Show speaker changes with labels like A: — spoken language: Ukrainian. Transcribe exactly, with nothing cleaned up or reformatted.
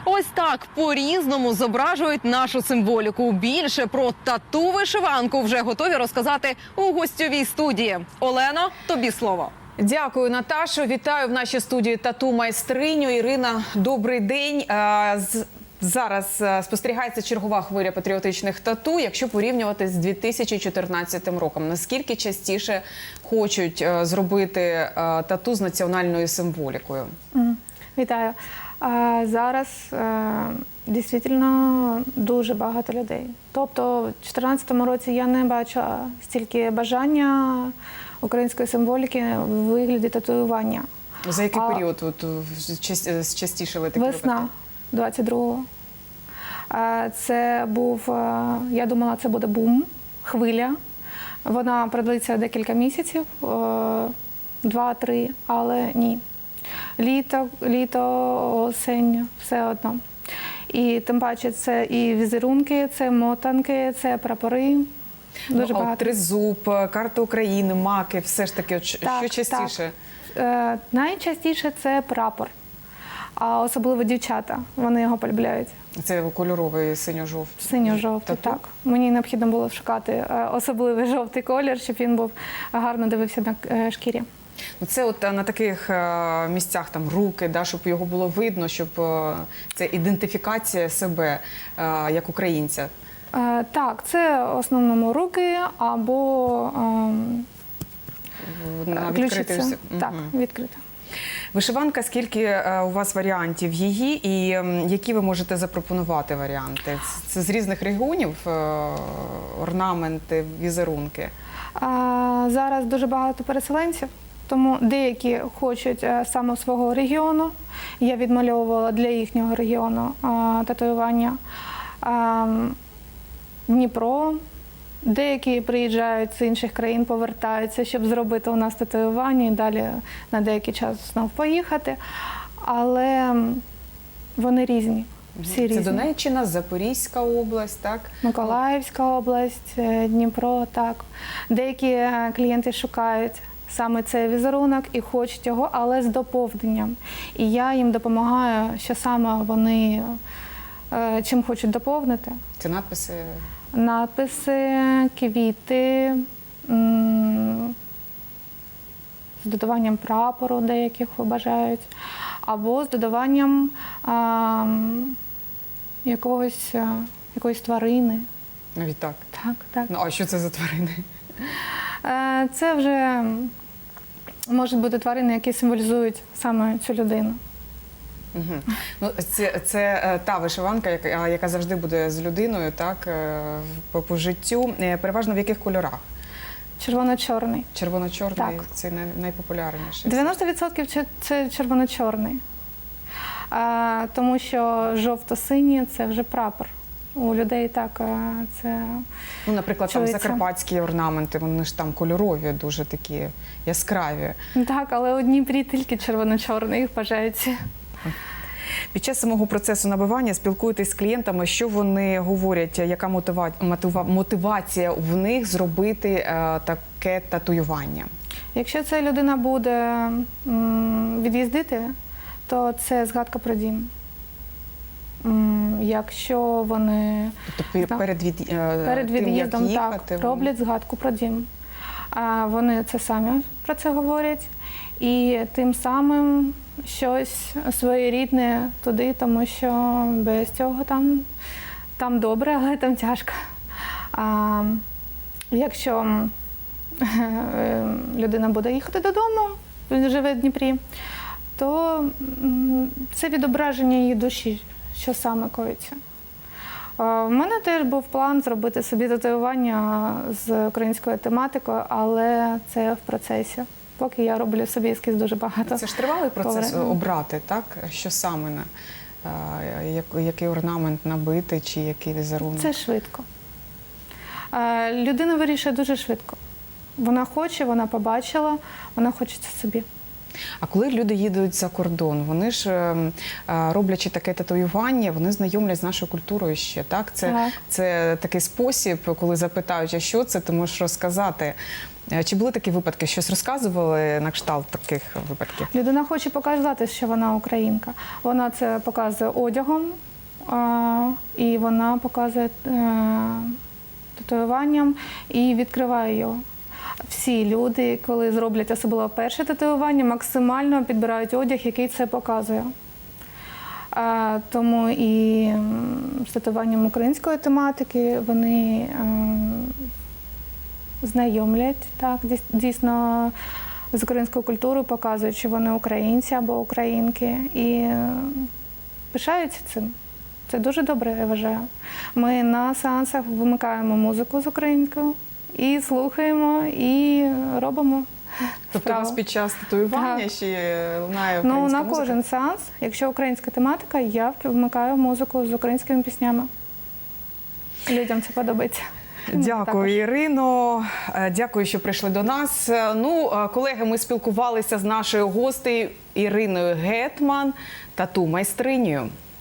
A: Ось так по-різному зображують нашу символіку. Більше про тату-вишиванку вже готові розказати у гостьовій студії. Олено, тобі слово.
B: Дякую, Наташо. Вітаю в нашій студії тату-майстриню. Ірина, добрий день. Зараз спостерігається чергова хвиля патріотичних тату, якщо порівнювати з дві тисячі чотирнадцятим роком. Наскільки частіше хочуть зробити тату з національною символікою?
C: Вітаю. Зараз дійсно дуже багато людей. Тобто в дві тисячі чотирнадцятому році я не бачила стільки бажання української символіки в вигляді татуювання.
B: За який
C: а...
B: період от, частішили такі випадки?
C: Весна двадцять другого. Це був, я думала, це буде бум, хвиля. Вона продлиться декілька місяців, два-три, але ні. Літо, літо, осень, все одно. І тим паче це і візерунки, це мотанки, це прапори. Дуже
B: ну,
C: багато.
B: Тризуб, карта України, маки, все ж таки, от,
C: так,
B: що частіше?
C: Так. Е, найчастіше це прапор, а особливо дівчата, вони його полюбляють.
B: Це кольоровий синьо-жовтий?
C: Синьо-жовтий, так. Мені необхідно було шукати особливий жовтий колір, щоб він був гарно дивився на шкірі.
B: Це от на таких місцях, там руки, да, щоб його було видно, щоб це ідентифікація себе як українця.
C: Так, це в основному руки або
B: на
C: ключиця. Так, відкрита.
B: Вишиванка, скільки у вас варіантів її і які ви можете запропонувати варіанти? Це з різних регіонів орнаменти, візерунки?
C: Зараз дуже багато переселенців. Тому деякі хочуть саме свого регіону. Я відмальовувала для їхнього регіону татуювання. Дніпро. Деякі приїжджають з інших країн, повертаються, щоб зробити у нас татуювання і далі на деякий час знову поїхати. Але вони різні. Всі
B: Це
C: різні.
B: Донеччина, Запорізька область, так?
C: Миколаївська область, Дніпро, так. Деякі клієнти шукають саме цей візерунок і хочуть його, але з доповненням. І я їм допомагаю, що саме вони чим хочуть доповнити.
B: Це надписи?
C: Надписи, квіти, з додаванням прапору деяких бажають, або з додаванням а, якогось, якоїсь тварини.
B: Навіть так?
C: Так, так.
B: Ну, а що це за тварини?
C: Це вже можуть бути тварини, які символізують саме цю людину.
B: Угу. Ну, це, це та вишиванка, яка, яка завжди буде з людиною, так, по, по життю. Переважно в яких кольорах?
C: Червоно-чорний.
B: Червоно-чорний – це най, найпопулярніший.
C: дев'яносто відсотків це червоно-чорний. Тому що жовто-синій – це вже прапор. У людей так це
B: ну, наприклад,
C: чується.
B: Там закарпатські орнаменти, вони ж там кольорові, дуже такі яскраві.
C: Так, але у Дніпрі тільки червоно-чорний, їх бажають.
B: Під час самого процесу набивання спілкуєтесь з клієнтами, що вони говорять, яка мотива... мотивація в них зробити е, таке татуювання?
C: Якщо ця людина буде м, від'їздити, то це згадка про дім. М, якщо вони
B: тобто, перед, від...
C: перед
B: тим,
C: від'їздом
B: їхати,
C: так, роблять згадку про дім. А вони це самі про це говорять. І тим самим щось своєрідне туди, тому що без цього там, там добре, але там тяжко. А якщо людина буде їхати додому, він живе в Дніпрі, то це відображення її душі, що саме коїться. У мене теж був план зробити собі татуювання з українською тематикою, але це в процесі. Поки я роблю собі ескіз дуже багато.
B: Це ж тривалий процес
C: Повер...
B: обрати, так? Що саме, на, який орнамент набити чи який візерунок?
C: Це швидко. Людина вирішує дуже швидко. Вона хоче, вона побачила, вона хоче це собі.
B: А коли люди їдуть за кордон, вони ж, е, е, роблячи таке татуювання, вони знайомлять з нашою культурою ще, так? Це,
C: Так.
B: це такий спосіб, коли запитають, а що це, ти можеш розказати. Е, Чи були такі випадки? Щось розказували на кшталт таких випадків?
C: Людина хоче показати, що вона українка. Вона це показує одягом, а, і вона показує е, татуюванням і відкриває його. Всі люди, коли зроблять особливо перше татуювання, максимально підбирають одяг, який це показує. А, тому і м, з татуюванням української тематики вони ем, знайомлять, так, дійс- дійсно з українською культурою, показують, що вони українці або українки, і е, пишаються цим. Це дуже добре, я вважаю. Ми на сеансах вимикаємо музику з українською і слухаємо, і робимо.
B: Тобто у вас
C: справу.
B: під час татуювання
C: Так.
B: ще лунає
C: Ну,
B: українська
C: на
B: музика?
C: кожен сеанс, якщо українська тематика, я вмикаю музику з українськими піснями. Людям це подобається.
B: Дякую,
C: Також.
B: Ірино. Е, Дякую, що прийшли до нас. Е, Ну, е, колеги, ми спілкувалися з нашою гостею Іриною Гетман, тату-майстринею.